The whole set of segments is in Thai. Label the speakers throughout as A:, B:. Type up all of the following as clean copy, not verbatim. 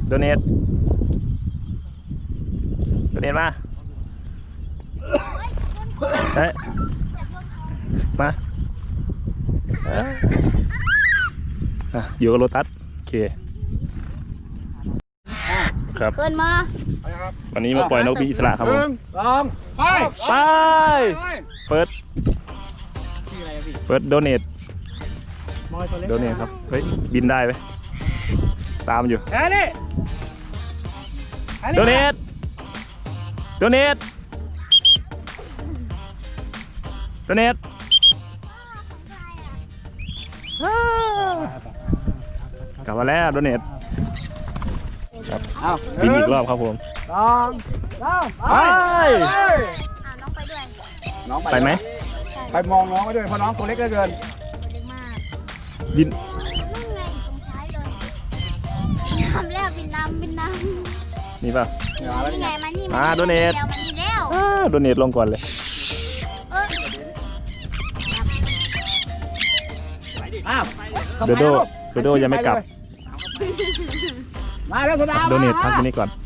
A: โดเนทมาเฮ้ยมาอยู่กับโลตัสโอเคครับ
B: เกินมา
A: วันนี้มาปล่อยนกบินอิสระครับผม
C: ไป
A: เปิดโดเนทครับเฮ้ยบินได้ไหมตามอยู่โดเนทกลับมาแล้วโดเนทครับบินอีกรอบครับผมไป
B: น้องไปด้วย
A: ไปไหม
C: ไปมองน้องไปด้วยเพราะน้องตัวเล็กเหลือเกิน
B: เล็กมาก
A: บิน
B: นู่นไงตรงท้ายเลยทำแล้วบินน้ำ
A: นี่ป่ะ
B: นี่ไงมานี่
A: โดเนทโดเนทลงก่อนเลยโดโดยังไม่กลับ
C: มาแล้วคุณดาว
A: โดเนทพักที่นี่ก่อน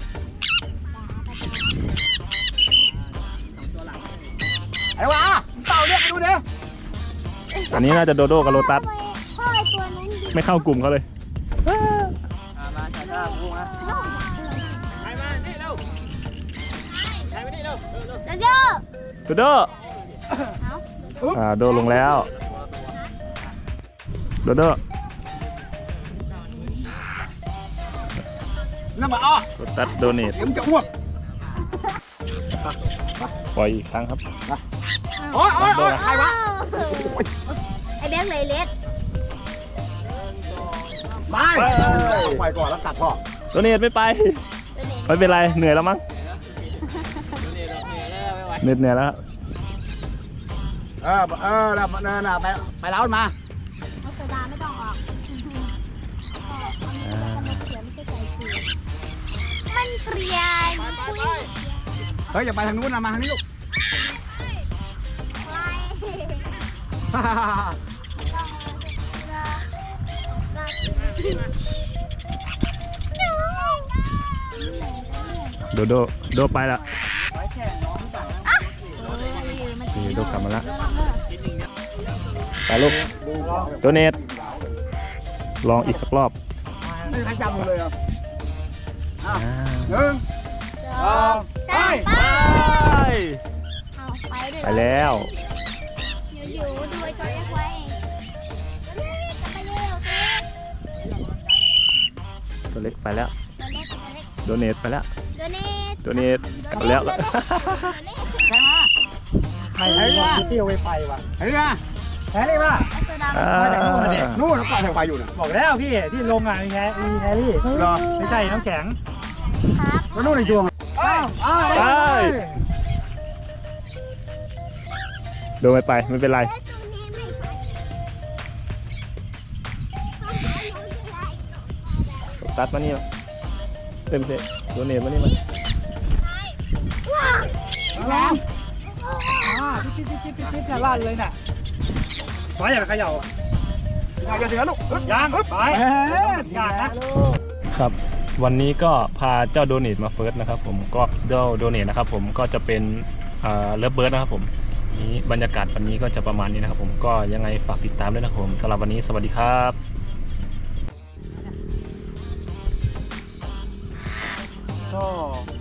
C: ไอ้วะเต่าเรียกไปดูดิ
A: อันนี้น่าจะโดโดกับโลตัสไม่เข้ากลุ่มเขาเลย
C: มาช้าๆพูดนะไปมานี่เร็วไปนี่เร็ว
A: โดโดโดลงแล้วโดโด
C: นั่งมาอ้อ
A: โลตัสโดเนท
C: จะอ้วก
A: ปล่อยอีกครั้งครับ
C: โอ้ยใครวะ
B: ไอเด็กเลยเล็ด
C: ไม่ปล่อยก่อนแล้วตัดพ่อ
A: โดเนทไม่ไปไม่เป็นไรเหนื่อยแล้วมั้งเหนื่อยแล้ว
C: ไปแล้วมา
B: เอาโซดาไม่ต้องออกมันเกลียด
C: เฮ้ยอย่าไปทางนู้นนะมาทางนี้ลูก
A: โดไปละโดกลับมาแล้วไปลูกโดเนทลองอีกสักรอบ
C: ไม่ทันจำเลยอ่ะ1 2
A: ไปแล้ว
B: อยู่ดูไอ้ตัวเล็กไว้
A: ตัวเล็กไปแล้วโดเนทไปแล้วโดเนทกลับแล้ว
C: ใครมาเที่ยวไปว่ะใครมาแพ้เลยว่ะมาจากนู่นมาเนี่ยนู่นปล่อยทางไปอยู่นะ
D: บอกแล้วพี่ที่ลงอ่ะมีแฮร์รี่ไม่ใช่น้ำแข็ง
C: แล้วนู่นในดวง
A: โดนไปไม่เป็นไรตัดมานี่เต็มเสร็จโดเนทมานี่มา
D: จิ๊บน่ะลั่นเลยน่ะขออย่าเขย่า
C: อย่าเสือลูก
D: ยังไปอย่าง
A: นะครับวันนี้ก็พาเจ้าโดเนทมาเฟิร์สนะครับผมก็เจ้าโดเนทนะครับผมก็จะเป็นเลิฟเบิร์ดนะครับผมนี้บรรยากาศวันนี้ก็จะประมาณนี้นะครับผมก็ยังไงฝากติดตามด้วยนะครับผมสำหรับวันนี้สวัสดีครับ
D: ก็